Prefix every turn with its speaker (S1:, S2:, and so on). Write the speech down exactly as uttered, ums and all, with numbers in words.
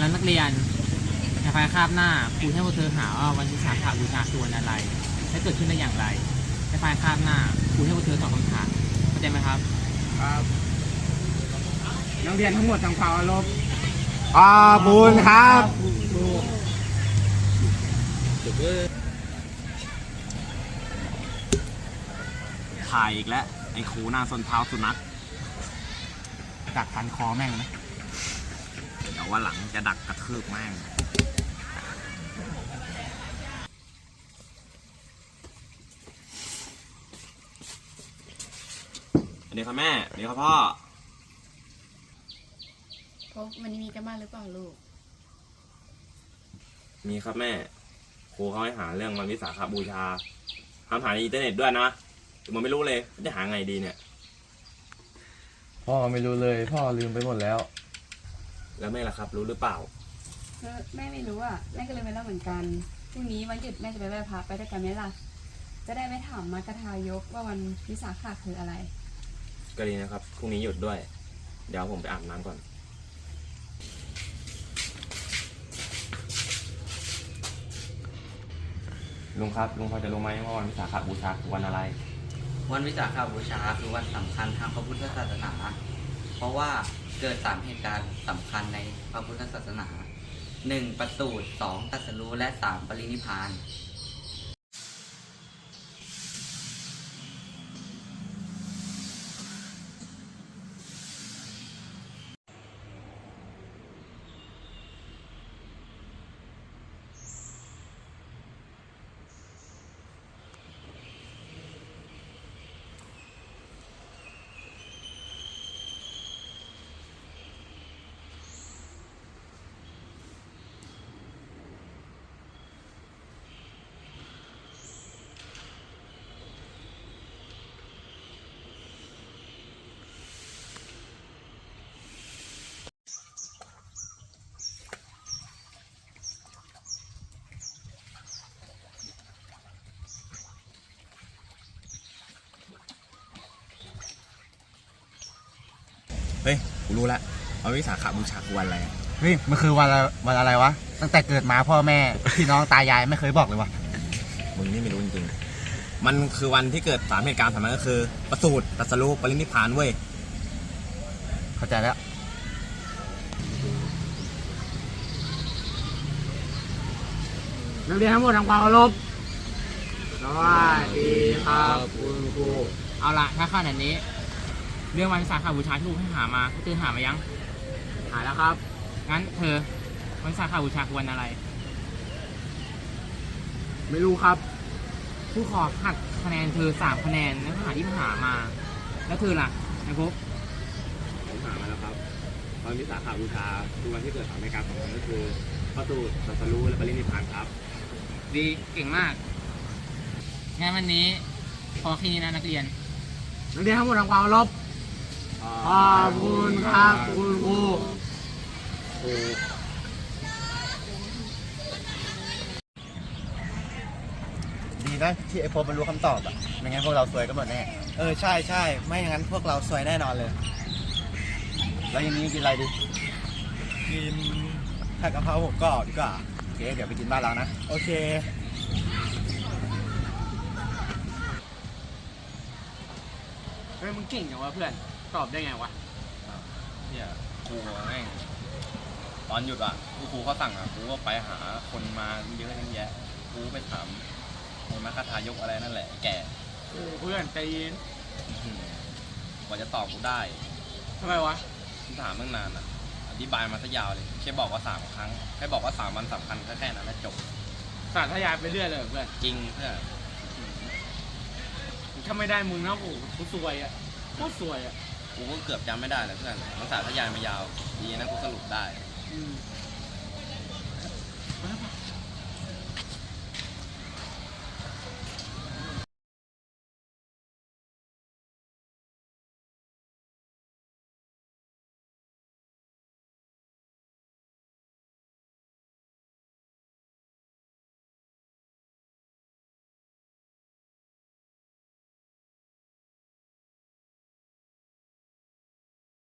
S1: แล้วนักเรียนในภายคาบหน้าครูให้พวกเธอหาว่าวันวิสาขบูชาคือวันอะไรและเกิดขึ้นได้อย่างไรในภายคาบหน้าครูให้พวกเธอตอบคำถามเข้าใจไหมครับ
S2: ครับนักเรียนทั้งหมดทำความเคารพ
S3: ขอบคุณครับถ่ายอีกแล้วไอ้ครูหน้าส้นเท้าสุนัขดักพันคอแม่งนะเดี๋ยวว่าหลังจะดักกระทืบแม่งสวัสดีครับแม่สวัสดีครับพ่อ
S4: พบวันนี้มีกันบ้านหรือเปล่าลูก
S3: มีครับแม่ครูเขาให้หาเรื่องวันวิสาขบูชาทำหาในอินเทอร์เน็ตด้วยนะแต่มันไม่รู้เลยจะหาไงดีเนี่ย
S5: พ่อไม่รู้เลยพ่อลืมไปหมดแล้ว
S3: แล้วแม่ล่ะครับรู้หรือเปล่า
S4: แม่ไม่รู้อ่ะแม่ก็เลยไม่รู้เหมือนกันพรุ่งนี้วันหยุดแม่จะไปไหว้พระไปด้วยกันไหมล่ะจะได้ไม่ถามมากระทายกว่าวันวิสาขะคืออะไร
S3: ก็ดีนะครับพรุ่งนี้หยุดด้วยเดี๋ยวผมไปอาบน้ำก่อนลุงครับลุงพอจะรู้ไหมว่าวันวิสาขบูชาคือวันอะไร
S6: วันวิสาขบูชาคือวันสำคัญทางพระพุทธศาสนาเพราะว่าเกิดสามเหตุการณ์สำคัญในพระพุทธศาสนาหนึ่งประสูติสองตรัสรู้และสามปรินิพพาน
S3: เฮ้ยกูรู้ละวันวิสาขบูชาคือวันอะไร
S5: เฮ้ยมันคือวันอะไรวันอะไรวะตั้งแต่เกิดมาพ่อแม่พี่น้องตายายไม่เคยบอกเลยวะ
S3: มึงนี่ไม่รู้จริงๆมันคือวันที่เกิดสามเหตุการณ์สำคัญก็คือประสูติตรัสรู้ปรินิพพานเว้ย
S5: เข้าใจแล้ว
S2: นักเรียนทั้งหมดทำความเคารพสวัสดีครับคุณครู
S1: เอาละถ้าขนาดนี้เรื่องวันวิสาขบูชาที่ครูให้หามาเธอหามายัง
S2: หาแล้วครับ
S1: งั้นเธอวันวิสาขบูชาคือวันอะไร
S2: ไม่รู้ครับ
S1: ครูขอหักคะแนนเธอสามคะแนนในข้อหาที่หามาแล้วเธอล่ะนายภพ
S3: ผมหามาแล้วครับวันวิสาขบูชาคือวันที่เกิดสามเหตุการณ์สำคัญก็คือประสูติตรัสรู้และปรินิพพานครับ
S1: ดีเก่งมากงั้นวันนี้พอแค่นี้นะนักเรียน
S2: นักเรียนทั้งหมดทำความเคารพขอบคุณครับคุณครู
S5: ดีนะที่ไอโฟนมันรู้คำตอบอ่ะไม่งั้นพวกเราซวยกันหมดแน่เออใช่ใช่ไม่งั้นพวกเราซวยแน่นอนเลยแล้วยังนี้กินอะไรดีกินผัดกะเพราหมูกรอบดีกว่าโอเคเดี๋ยวไปกินบ้านเรานะโอเค
S1: เฮ้ยมึงเก่งจังวะเพื่อนตอบได้ไงวะ
S3: เนี่ยครูแม่งตอนหยุดอ่ะครูครูเขาสั่งอ่ะครูก็ไปหาคนมาเยอะแยะครูไปถามคนมาคาถายกอะไรนั่นแหละแก่
S1: โอ้เพื่อนใจเย็น
S3: กว่าจะตอบกูได้
S1: ทำไมวะ
S3: ถามตั้งนานอ่ะอธิบายมาซะยาวเลยแค่บอกว่าสามครั้งแค่บอกว่าสามวันสำคัญแค่แค่นั้นแล้วจบ
S1: สาธยายไปเรื่อยเลยเพื่อน
S3: จริงเพื่อน
S1: ถ้าไม่ได้มึงนะโอ้กูซวยอ่ะโคตรซวยอ่ะ
S3: กูก็เกือบจำไม่ได้เลยเพื่อนมันสาธยายมายาวดีนะกูสรุปได้
S1: อืม